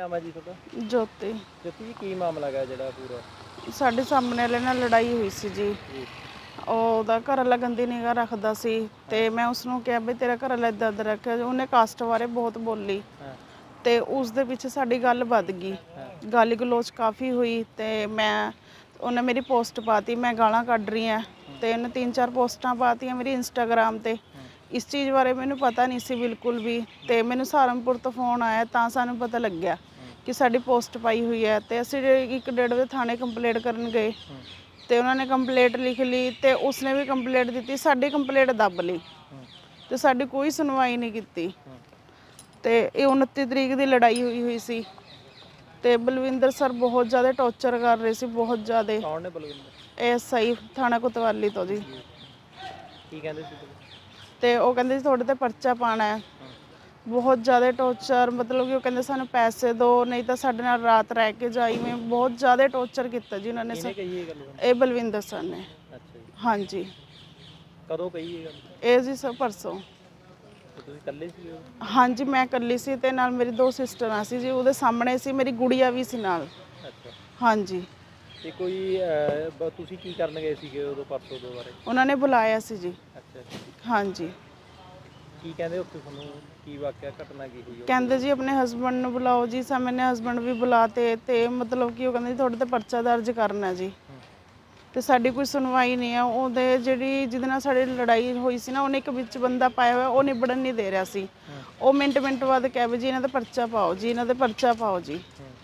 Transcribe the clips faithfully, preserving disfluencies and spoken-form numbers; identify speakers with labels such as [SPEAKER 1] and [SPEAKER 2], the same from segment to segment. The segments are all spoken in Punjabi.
[SPEAKER 1] ਨਾਮ ਹੈ ਜੀ ਤੁਹਾਡਾ?
[SPEAKER 2] ਜੋਤੀ।
[SPEAKER 1] ਜੋਤੀ ਜੀ, ਕੀ ਮਾਮਲਾ ਹੈਗਾ ਜਿਹੜਾ ਪੂਰਾ?
[SPEAKER 2] ਸਾਡੇ ਸਾਹਮਣੇ ਵਾਲੇ ਨਾਲ ਲੜਾਈ ਹੋਈ ਸੀ ਜੀ। ਉਹਦਾ ਘਰ ਵਾਲਾ ਗੰਦੀ ਨਿਗਾਹ ਰੱਖਦਾ ਸੀ ਤੇ ਮੈਂ ਉਸਨੂੰ ਕਿਹਾ ਵੀ ਤੇਰਾ ਘਰ ਵਾਲਾ ਇੱਦਾਂ ਇੱਦਾਂ ਰੱਖਿਆ। ਉਹਨੇ ਕਾਸਟ ਬਾਰੇ ਬਹੁਤ ਬੋਲੀ ਤੇ ਉਸ ਦੇ ਵਿੱਚ ਸਾਡੀ ਗੱਲ ਵੱਧ ਗਈ, ਗਾਲੀ ਗਲੋਚ ਕਾਫੀ ਹੋਈ ਤੇ ਮੈਂ ਉਹਨੇ ਮੇਰੀ ਪੋਸਟ ਪਾਤੀ, ਮੈਂ ਗਾਲਾਂ ਕੱਢ ਰਹੀ ਹਾਂ ਤੇ ਉਹਨੇ ਤਿੰਨ ਚਾਰ ਪੋਸਟਾਂ ਪਾਤੀਆਂ ਮੇਰੀ ਇੰਸਟਾਗ੍ਰਾਮ ਤੇ। ਇਸ ਚੀਜ਼ ਬਾਰੇ ਮੈਨੂੰ ਪਤਾ ਨਹੀਂ ਸੀ ਬਿਲਕੁਲ ਵੀ ਤੇ ਮੈਨੂੰ ਸਹਾਰਨਪੁਰ ਤੋਂ ਫੋਨ ਆਇਆ ਤਾਂ ਸਾਨੂੰ ਪਤਾ ਲੱਗਿਆ ਕਿ ਸਾਡੀ ਪੋਸਟ ਪਾਈ ਹੋਈ ਹੈ ਤੇ ਅਸੀਂ ਇੱਕ ਡੇਢ ਵਜੇ ਥਾਣੇ ਕੰਪਲੇਂਟ ਕਰਨ ਗਏ ਤੇ ਉਹਨਾਂ ਨੇ ਕੰਪਲੇਂਟ ਲਿਖ ਲਈ ਤੇ ਉਸਨੇ ਵੀ ਕੰਪਲੇਂਟ ਦਿੱਤੀ, ਸਾਡੀ ਕੰਪਲੇਂਟ ਦੱਬ ਲਈ ਤੇ ਸਾਡੀ ਕੋਈ ਸੁਣਵਾਈ ਨਹੀਂ ਕੀਤੀ। ਤੇ ਇਹ ਉਨੱਤੀ ਤਰੀਕ ਦੀ ਲੜਾਈ ਹੋਈ ਹੋਈ ਸੀ ਤੇ ਬਲਵਿੰਦਰ ਸਰ ਬਹੁਤ ਜ਼ਿਆਦਾ ਟੌਰਚਰ ਕਰ ਰਹੇ ਸੀ, ਬਹੁਤ ਜ਼ਿਆਦਾ।
[SPEAKER 1] ਕੌਣ ਨੇ ਬਲਵਿੰਦਰ?
[SPEAKER 2] ਐਸ ਆਈ ਥਾਣਾ ਕੋਤਵਾਲੀ ਤੋਂ ਜੀ।
[SPEAKER 1] ਕੀ ਕਹਿੰਦੇ ਸੀ?
[SPEAKER 2] ਤੇ ਉਹ ਕਹਿੰਦੇ ਸੀ ਤੁਹਾਡੇ ਤੇ ਪਰਚਾ ਪਾਣਾ ਹੈ। ਬਹੁਤ ਜ਼ਿਆਦਾ ਟੌਰਚਰ, ਮਤਲਬ ਕਿ ਉਹ ਕਹਿੰਦੇ ਸਾਨੂੰ ਪੈਸੇ ਦਿਓ ਨਹੀਂ ਤਾਂ ਸਾਡੇ ਨਾਲ ਰਾਤ ਰਹਿ ਕੇ ਜਾਈ। ਮੈਂ ਬਹੁਤ ਜ਼ਿਆਦਾ ਟੌਰਚਰ ਕੀਤਾ ਜੀ ਉਹਨਾਂ ਨੇ। ਸਰ ਇਹ ਬਲਵਿੰਦਰ ਸਰ ਨੇ।
[SPEAKER 1] ਅੱਛਾ ਜੀ।
[SPEAKER 2] ਹਾਂਜੀ।
[SPEAKER 1] ਕਦੋਂ ਕਹੀ ਇਹ ਗੱਲ? ਇਹ
[SPEAKER 2] ਜੀ ਸਰ ਪਰਸੋਂ।
[SPEAKER 1] ਤੁਸੀਂ ਇਕੱਲੇ ਸੀ?
[SPEAKER 2] ਹਾਂਜੀ ਮੈਂ ਇਕੱਲੀ ਸੀ ਤੇ ਨਾਲ ਮੇਰੀ ਦੋ ਸਿਸਟਰਾਂ ਸੀ ਜੀ, ਉਹਦੇ ਸਾਹਮਣੇ ਸੀ, ਮੇਰੀ ਗੁੜੀਆ ਵੀ ਸੀ ਨਾਲ।
[SPEAKER 1] ਅੱਛਾ। ਹਾਂਜੀ। ਤੇ ਕੋਈ ਤੁਸੀਂ ਕੀ ਕਰਨ ਗਏ ਸੀਗੇ ਉਦੋਂ ਪਰਸੋਂ ਦੇ ਬਾਰੇ? ਉਹਨਾਂ
[SPEAKER 2] ਨੇ ਬੁਲਾਇਆ ਸੀ ਜੀ।
[SPEAKER 1] ਅੱਛਾ।
[SPEAKER 2] ਹਾਂਜੀ।
[SPEAKER 1] ਕੀ ਕਹਿੰਦੇ ਉੱਥੇ ਤੁਹਾਨੂੰ? ਕੀ ਵਾਕਿਆ ਘਟਨਾ ਕੀ ਹੋਈ?
[SPEAKER 2] ਕਹਿੰਦੇ ਜੀ ਆਪਣੇ ਹਸਬੈਂਡ ਨੂੰ ਬੁਲਾਓ ਜੀ। ਸਾ ਮੈਨੇ ਹਸਬੈਂਡ ਵੀ ਬੁਲਾਤੇ ਤੇ ਮਤਲਬ ਕਿ ਉਹ ਕਹਿੰਦੇ ਤੁਹਾਡੇ ਤੇ ਪਰਚਾ ਦਰਜ ਕਰਨਾ ਜੀ ਤੇ ਸਾਡੀ ਕੋਈ ਸੁਣਵਾਈ ਨਹੀਂ ਹੈ। ਉਹਦੇ ਜਿਹੜੀ ਜਿਹਦੇ ਨਾਲ ਸਾਡੀ ਲੜਾਈ ਹੋਈ ਸੀ ਨਾ, ਉਹਨੇ ਇੱਕ ਵਿੱਚ ਬੰਦਾ ਪਾਇਆ ਹੋਇਆ, ਉਹ ਨਿਬੜਨ ਨਹੀਂ ਦੇ ਰਿਹਾ ਸੀ। ਉਹ ਮਿੰਟ ਮਿੰਟ ਬਾਅਦ ਕਹਿ ਵੀ ਜੀ ਇਹਨਾਂ ਦਾ ਪਰਚਾ ਪਾਓ ਜੀ, ਇਹਨਾਂ ਦਾ ਪਰਚਾ ਪਾਓ ਜੀ।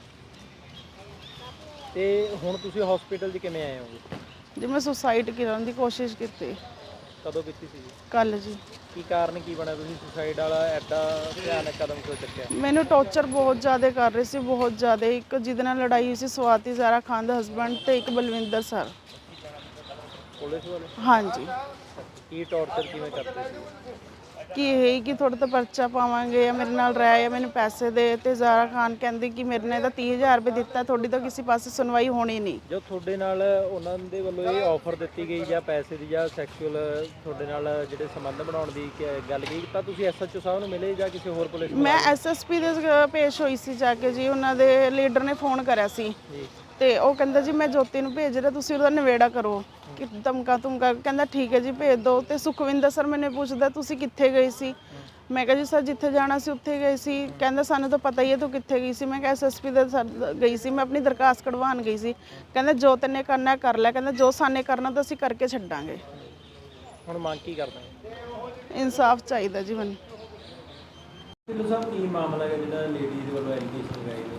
[SPEAKER 1] ਤੇ ਹੁਣ ਤੁਸੀਂ ਹਸਪੀਟਲ 'ਚ ਕਿਵੇਂ ਆਏ ਹੋਗੇ?
[SPEAKER 2] ਜੀ ਮੈਂ ਸੁਸਾਈਡ ਕਰਨ ਦੀ ਕੋਸ਼ਿਸ਼ ਕੀਤੀ।
[SPEAKER 1] ਕਦੋਂ ਕੀਤੀ ਸੀ?
[SPEAKER 2] ਕੱਲ ਜੀ।
[SPEAKER 1] ਕੀ ਕਾਰਨ ਕੀ ਬਣਿਆ ਤੁਸੀਂ ਸੁਸਾਈਡ ਵਾਲਾ ਐਡਾ ਭਿਆਨਕ ਕਦਮ ਕਿਉਂ ਚੱਕਿਆ? ਮੈਨੂੰ
[SPEAKER 2] ਟੌਰਚਰ ਬਹੁਤ ਜ਼ਿਆਦਾ ਕਰ ਰਹੇ ਸੀ, ਬਹੁਤ ਜ਼ਿਆਦਾ। ਇੱਕ ਜਿਹਦੇ ਨਾਲ ਲੜਾਈ ਹੋਈ ਸੀ ਸਵਾਤੀ ਜ਼ਾਰਾ ਖਾਨ ਦਾ ਹਸਬੈਂਡ ਤੇ ਇੱਕ ਬਲਵਿੰਦਰ ਸਰ।
[SPEAKER 1] ਪੁਲਿਸ ਵਾਲੇ?
[SPEAKER 2] ਹਾਂਜੀ।
[SPEAKER 1] ਕੀ ਟੌਰਚਰ ਕਿਵੇਂ ਕਰਦੇ ਸੀ?
[SPEAKER 2] ਕਿ ਇਹ ਕਿ ਤੁਹਾਡੇ ਤੋਂ ਪਰਚਾ ਪਾਵਾਂਗੇ ਜਾਂ ਮੇਰੇ ਨਾਲ ਰਹਿ ਜਾਂ ਮੈਨੂੰ ਪੈਸੇ ਦੇ। ਤੇ ਜ਼ਾਰਾ ਖਾਨ ਕਹਿੰਦੀ ਕਿ ਮੇਰੇ ਨੇ ਤਾਂ ਤੀਹ ਹਜ਼ਾਰ ਰੁਪਏ ਦਿੱਤਾ, ਤੁਹਾਡੀ ਤਾਂ ਕਿਸੇ ਪਾਸੇ ਸੁਣਵਾਈ ਹੋਣੀ ਨਹੀਂ।
[SPEAKER 1] ਜੋ ਤੁਹਾਡੇ ਨਾਲ ਉਹਨਾਂ ਦੇ ਵੱਲੋਂ ਇਹ ਆਫਰ ਦਿੱਤੀ ਗਈ ਜਾਂ ਪੈਸੇ ਦੀ ਜਾਂ ਸੈਕਸ਼ੂਅਲ ਤੁਹਾਡੇ ਨਾਲ ਜਿਹੜੇ ਸੰਬੰਧ ਬਣਾਉਣ ਦੀ ਗੱਲ ਕੀ, ਤਾਂ ਤੁਸੀਂ ਐਸ ਐਚ ਓ ਸਾਹਿਬ ਨੂੰ ਮਿਲੇ ਜਾਂ ਕਿਸੇ ਹੋਰ ਪੁਲਿਸ?
[SPEAKER 2] ਮੈਂ ਐਸ ਐਸ ਪੀ ਦੇ ਪੇਸ਼ ਹੋਈ ਸੀ ਜਾ ਕੇ ਜੀ। ਉਹਨਾਂ ਦੇ ਲੀਡਰ ਨੇ ਫੋਨ ਕਰਿਆ ਸੀ ਤੇ ਉਹ ਕਹਿੰਦਾ ਜੀ ਮੈਂ ਜੋਤੀ ਨੂੰ ਭੇਜ ਰਿਹਾ, ਤੁਸੀਂ ਉਹਦਾ ਨਿਬੇੜਾ ਕਰੋ। ਕਿ ਧਮਕਾ ਧਮਕਾ ਕਹਿੰਦਾ ਠੀਕ ਹੈ ਜੀ ਭੇਜ ਦਿਓ। ਤੇ ਸੁਖਵਿੰਦਰ ਸਰ ਮੈਨੂੰ ਪੁੱਛਦਾ ਤੁਸੀਂ ਕਿੱਥੇ ਗਈ ਸੀ? ਮੈਂ ਕਿਹਾ ਜੀ ਸਰ ਜਿੱਥੇ ਜਾਣਾ ਸੀ ਉੱਥੇ ਗਈ ਸੀ। ਕਹਿੰਦਾ ਸਾਨੂੰ ਤਾਂ ਪਤਾ ਹੀ ਹੈ ਤੂੰ ਕਿੱਥੇ ਗਈ ਸੀ। ਮੈਂ ਕਿਹਾ ਐਸ ਐਸ ਪੀ ਦੇ ਗਈ ਸੀ, ਮੈਂ ਆਪਣੀ ਦਰਖਾਸਤ ਕਢਵਾਉਣ ਗਈ ਸੀ। ਕਹਿੰਦਾ ਜੋ ਤੈਨੇ ਕਰਨਾ ਕਰ ਲੈ, ਕਹਿੰਦਾ ਜੋ ਸਾਨੇ ਕਰਨਾ ਤਾਂ ਅਸੀਂ ਕਰਕੇ ਛੱਡਾਂਗੇ।
[SPEAKER 1] ਹੁਣ ਮੰਗ ਕੀ ਕਰਦੇ?
[SPEAKER 2] ਇਨਸਾਫ ਚਾਹੀਦਾ ਜੀ ਮੈਨੂੰ।
[SPEAKER 1] ਢਿੱਲੋਂ ਸਾਹਿਬ, ਕੀ ਮਾਮਲਾ ਹੈ ਜਿਹੜਾ ਲੇਡੀਜ਼ ਵੱਲੋਂ ਐਲੀਗੇਸ਼ਨ ਲਗਾਏ ਨੇ?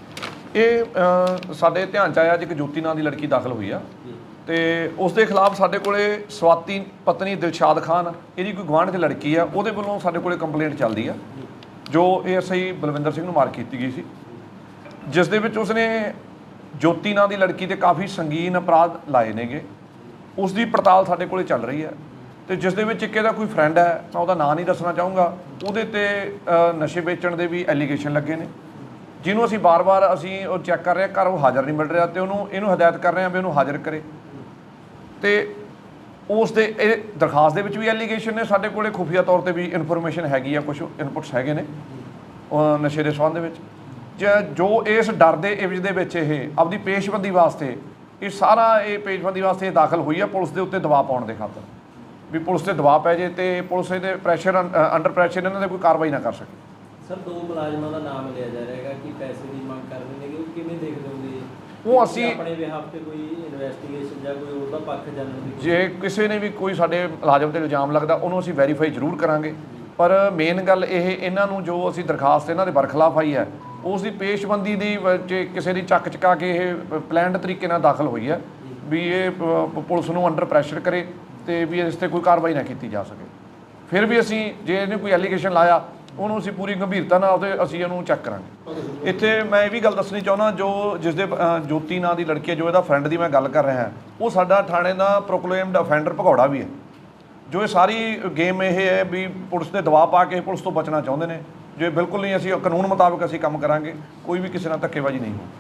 [SPEAKER 3] ਇਹ ਸਾਡੇ ਧਿਆਨ 'ਚ ਆਇਆ ਅੱਜ ਇੱਕ ਜੋਤੀ ਨਾਂ ਦੀ ਲੜਕੀ ਦਾਖਲ ਹੋਈ ਆ ਤੇ ਉਸ ਦੇ ਖਿਲਾਫ ਸਾਡੇ ਕੋਲੇ ਸਵਾਤੀ ਪਤਨੀ ਦਿਲਸ਼ਾਦ ਖਾਨ, ਇਹਦੀ ਕੋਈ ਗੁਆਂਢ 'ਚ ਲੜਕੀ ਆ, ਉਹਦੇ ਵੱਲੋਂ ਸਾਡੇ ਕੋਲੇ ਕੰਪਲੇਂਟ ਚੱਲਦੀ ਆ ਜੋ ਇਹ ਐਸਆਈ ਬਲਵਿੰਦਰ ਸਿੰਘ ਨੂੰ ਮਾਰ ਕੀਤੀ ਗਈ ਸੀ, ਜਿਸ ਦੇ ਵਿੱਚ ਉਸਨੇ ਜੋਤੀ ਨਾਂ ਦੀ ਲੜਕੀ ਤੇ ਕਾਫੀ ਸੰਗੀਨ ਅਪਰਾਧ ਲਾਏ ਨੇਗੇ। ਉਸ ਦੀ ਪੜਤਾਲ ਸਾਡੇ ਕੋਲੇ ਚੱਲ ਰਹੀ ਹੈ ਤੇ ਜਿਸ ਦੇ ਵਿੱਚ ਇੱਕ ਇਹਦਾ ਕੋਈ ਫਰੈਂਡ ਹੈ, ਮੈਂ ਉਹਦਾ ਨਾਂ ਨਹੀਂ ਦੱਸਣਾ ਚਾਹੂੰਗਾ, ਉਹਦੇ ਤੇ ਨਸ਼ੇ ਵੇਚਣ ਦੇ ਵੀ ਐਲੀਗੇਸ਼ਨ ਲੱਗੇ ਨੇ, ਜਿਹਨੂੰ ਅਸੀਂ ਬਾਰ-ਬਾਰ ਅਸੀਂ ਉਹ ਚੈੱਕ ਕਰ ਰਹੇ ਹਾਂ, ਘਰ ਉਹ ਹਾਜ਼ਰ ਨਹੀਂ ਮਿਲ ਰਿਹਾ ਤੇ ਉਹਨੂੰ ਇਹਨੂੰ ਹਦਾਇਤ ਕਰ ਰਹੇ ਹਾਂ ਵੀ ਉਹਨੂੰ ਹਾਜ਼ਰ ਕਰੇ। ਤੇ ਉਸ ਦੇ ਇਹ ਦਰਖਾਸਤ ਦੇ ਵਿੱਚ ਵੀ ਐਲੀਗੇਸ਼ਨ ਨੇ, ਸਾਡੇ ਕੋਲੇ ਖੁਫੀਆ ਤੌਰ ਤੇ ਵੀ ਇਨਫੋਰਮੇਸ਼ਨ ਹੈਗੀ ਆ, ਕੁਛ ਇਨਪੁਟਸ ਹੈਗੇ ਨੇ ਨਸ਼ੇ ਦੇ ਸੰਬੰਧ ਦੇ ਵਿੱਚ। ਜੋ ਇਸ ਡਰ ਦੇ ਇਵਜ ਦੇ ਵਿੱਚ ਇਹ ਆਪਦੀ ਪੇਸ਼ਬੰਦੀ ਵਾਸਤੇ ਇਹ ਸਾਰਾ ਇਹ ਪੇਸ਼ਬੰਦੀ ਵਾਸਤੇ ਇਹ ਦਾਖਲ ਹੋਈ ਆ ਪੁਲਿਸ ਦੇ ਉੱਤੇ ਦਬਾਅ ਪਾਉਣ ਦੇ ਖਾਤਰ, ਵੀ ਪੁਲਿਸ ਤੇ ਦਬਾਅ ਪੈ ਜੇ ਤੇ ਪੁਲਿਸ ਇਹਦੇ ਪ੍ਰੈਸ਼ਰ ਅੰਡਰ ਪ੍ਰੈਸ਼ਰ ਇਹਨਾਂ ਦੇ ਕੋਈ ਕਾਰਵਾਈ ਨਾ ਕਰ ਸਕੇ।
[SPEAKER 1] ਸਰ, ਦੋ ਮੁਲਾਜ਼ਮਾਂ ਦਾ ਨਾਮ ਲਿਆ ਜਾ ਰਿਹਾ ਹੈਗਾ ਕਿ ਪੈਸੇ ਦੀ ਮੰਗ ਕਰ ਰਹੇ ਨੇ, ਉਹ ਕਿਵੇਂ ਦੇਖਦੇ ਹੋਗੇ?
[SPEAKER 3] ਉਹ ਅਸੀਂ
[SPEAKER 1] ਆਪਣੇ ਬਿਹਾਫ ਤੇ ਕੋਈ ਇਨਵੈਸਟੀਗੇਸ਼ਨ ਜਾਂ ਕੋਈ ਉਹਦਾ ਪੱਖ ਜਾਣਨ ਦੀ,
[SPEAKER 3] ਜੇ ਕਿਸੇ ਨੇ ਵੀ ਕੋਈ ਸਾਡੇ ਮੁਲਾਜ਼ਮ ਤੇ ਇਲਜ਼ਾਮ ਲੱਗਦਾ ਉਹਨੂੰ ਅਸੀਂ ਵੈਰੀਫਾਈ ਜ਼ਰੂਰ ਕਰਾਂਗੇ। ਪਰ ਮੇਨ ਗੱਲ ਇਹ, ਇਹਨਾਂ ਨੂੰ ਜੋ ਅਸੀਂ ਦਰਖਾਸਤ ਇਹਨਾਂ ਦੇ ਬਰਖਲਾਫ ਆਈ ਹੈ ਉਸ ਦੀ ਪੇਸ਼ਬੰਦੀ ਦੀ ਜੇ ਕਿਸੇ ਦੀ ਚੱਕ ਚਕਾ ਕੇ ਇਹ ਪਲੈਨਡ ਤਰੀਕੇ ਨਾਲ ਦਾਖਲ ਹੋਈ ਹੈ ਵੀ ਇਹ ਪੁਲਿਸ ਨੂੰ ਅੰਡਰ ਪ੍ਰੈਸ਼ਰ ਕਰੇ ਤੇ ਵੀ ਇਸ 'ਤੇ ਕੋਈ ਕਾਰਵਾਈ ਨਾ ਕੀਤੀ ਜਾ ਸਕੇ। ਫਿਰ ਵੀ ਅਸੀਂ ਜੇ ਇਹਨੇ ਕੋਈ ਐਲੀਗੇਸ਼ਨ ਲਾਇਆ ਉਹਨੂੰ ਅਸੀਂ ਪੂਰੀ ਗੰਭੀਰਤਾ ਨਾਲ ਉਹਦੇ ਅਸੀਂ ਉਹਨੂੰ ਚੈੱਕ ਕਰਾਂਗੇ। ਇੱਥੇ ਮੈਂ ਇਹ ਵੀ ਗੱਲ ਦੱਸਣੀ ਚਾਹੁੰਦਾ, ਜੋ ਜਿਸ ਦੇ ਜੋਤੀ ਨਾਂ ਦੀ ਲੜਕੀ ਹੈ, ਜੋ ਇਹਦਾ ਫਰੈਂਡ ਦੀ ਮੈਂ ਗੱਲ ਕਰ ਰਿਹਾ, ਉਹ ਸਾਡਾ ਥਾਣੇ ਦਾ ਪ੍ਰੋਕਲੇਮਡ ਅਫੈਂਡਰ ਭਗੌੜਾ ਵੀ ਹੈ। ਜੋ ਇਹ ਸਾਰੀ ਗੇਮ ਇਹ ਹੈ ਵੀ ਪੁਲਿਸ ਦੇ ਦਬਾਅ ਪਾ ਕੇ ਪੁਲਿਸ ਤੋਂ ਬਚਣਾ ਚਾਹੁੰਦੇ ਨੇ, ਜੋ ਇਹ ਬਿਲਕੁਲ ਨਹੀਂ। ਅਸੀਂ ਕਾਨੂੰਨ ਮੁਤਾਬਕ ਅਸੀਂ ਕੰਮ ਕਰਾਂਗੇ, ਕੋਈ ਵੀ ਕਿਸੇ ਨਾਲ ਧੱਕੇਬਾਜ਼ੀ ਨਹੀਂ ਹੋਊ।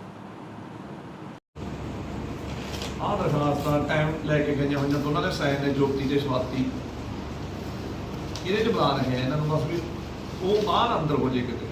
[SPEAKER 3] ਆਹ ਦਰਖਾਸਤਾਂ ਟਾਈਮ ਲੈ ਕੇ ਗਈਆਂ ਹੋਈਆਂ ਦੋਨਾਂ ਦੇ ਸਾਈਨ ਨੇ, ਜੋਤੀ ਤੇ ਸਵਾਤੀ, ਇਹਦੇ 'ਚ ਬੁਲਾ ਰਹੇ ਆ ਇਹਨਾਂ ਨੂੰ ਬਸ ਵੀ ਉਹ ਬਾਹਰ ਅੰਦਰ ਹੋ ਜੇ ਕਿਤੇ।